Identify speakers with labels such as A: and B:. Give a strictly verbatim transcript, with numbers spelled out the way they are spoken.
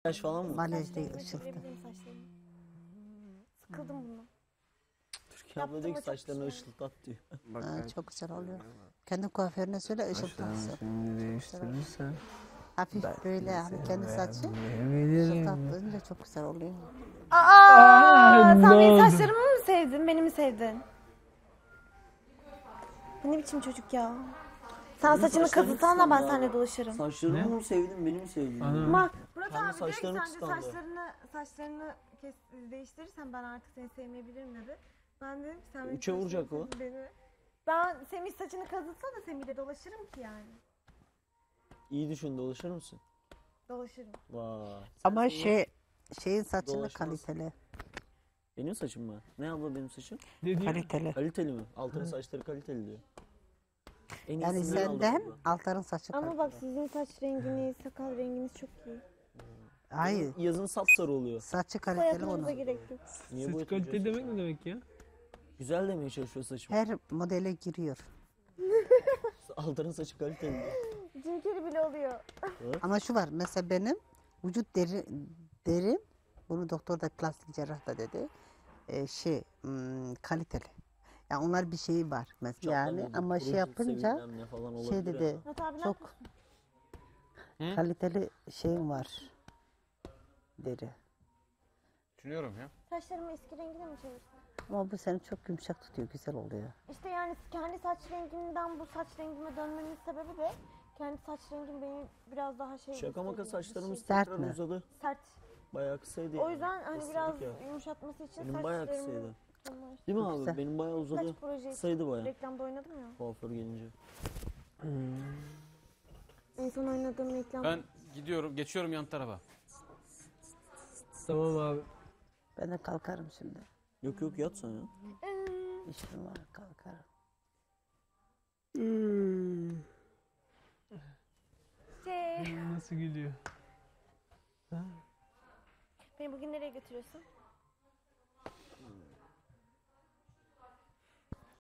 A: Yaş falan mı?
B: Makyaj değil, ışıltı.
C: Çevirebilirim saçlarımı. Sıkıldım bundan.
A: Türkiye abla diyor ki saçlarını ışıltat diyor.
B: Ha, çok güzel oluyor. Kendi kuaförüne söyle ışıltatsın.
D: Şimdi değiştirirsen
B: Hafif böyle hani kendi saçı
D: verebilirim.
B: ışıltattığınca çok güzel oluyor.
C: Aa, sen
D: ne
C: benim
D: oldu?
C: saçlarımı mı sevdin, beni mi sevdin? Bu ne biçim çocuk ya? Sen
A: Benim
C: saçını
A: saçlarım
C: kazıtsan da ben
A: kıskandı
C: seninle
A: abi.
C: dolaşırım.
A: Saçlarımı mı sevdin, beni mi sevdin?
D: Ana.
C: Bak, Murat
A: Kendi
C: abi diyor ki
A: saçlarını
C: sen de
A: kıskandı.
C: saçlarını, saçlarını kes, değiştirirsen ben artık seni sevmeyebilirim dedi. Ben dedim ki sen benim
A: Üçe vuracak
C: saçlarımı
A: o.
C: sevdin beni. Ben Semih saçını kazıtsa da Semih'le dolaşırım ki yani.
A: İyi düşün, dolaşır mısın?
C: Dolaşırım.
A: Vay.
B: Ama
A: Sen-
B: şey şeyin saçını
A: Dolaşmaz.
B: kaliteli.
A: Benim saçım mı? Ne abla benim saçım?
D: Ne diyor?
B: Kaliteli.
A: Kaliteli mi? Altın saçları kaliteli diyor. En
B: Yani
A: iyisini aldım
B: senden
A: abla.
B: Altar'ın saçı
C: Ama
B: kaliteli.
C: bak sizin saç renginiz, sakal renginiz çok iyi.
B: Hayır.
A: Yazın sapsarı oluyor.
B: Saçı kaliteli
C: Boyatmanıza
B: onun.
C: gerek yok.
A: Niye
D: Saç
A: boyatıyorsun
D: kalite demek
A: saçını?
D: ne demek ya?
A: Güzel demeye çalışıyor saçım.
B: Her modele giriyor.
A: Altın saçı kaliteli diyor.
C: Cinkeri bile oluyor.
B: Ama şu var mesela benim vücut deri, derim bunu doktor da plastik cerrah da dedi. Ee, şey hmm, kaliteli. Yani onlar bir şeyi var mesela yani
A: Çatladı,
B: ama şey
A: kurucu,
B: yapınca
A: sevilmem ne falan olabilir
B: şey
A: ya.
B: dedi
C: Murat abi ne
B: çok
D: Hı?
B: kaliteli şeyim var deri.
E: Düşünüyorum ya.
C: Saçlarımı eski rengine mi çevirsem?
B: Ama bu seni çok yumuşak tutuyor, güzel oluyor.
C: İşte yani kendi saç rengimden bu saç rengime dönmemin sebebi de kendi saç rengim beni biraz daha şey...
A: Şaka maka
C: gösteriyor,
A: saçlarımız
C: bir şey-
B: Sert
A: tekrar
B: mi?
A: uzadı.
C: Sert.
A: Bayağı kısaydı
C: O
A: yani.
C: yüzden hani
A: Isladık
C: biraz
A: ya.
C: yumuşatması için
A: Benim bayağı
C: saçlarımı...
A: kısaydı.
C: Bunlar.
A: Değil mi
B: Çok
A: abi?
B: güzel.
A: Benim bayağı uzadı.
C: Saç projesi.
A: Kısaydı bayağı.
C: Reklamda oynadım ya.
A: Kuaför gelince.
C: En son oynadığım reklam.
E: Ben gidiyorum, geçiyorum yan tarafa.
D: Tamam abi.
B: Ben de kalkarım şimdi.
A: Yok yok yat sen ya.
B: İşim var, kalkarım.
C: Şey,
D: Nasıl gülüyor?
C: beni bugün nereye götürüyorsun?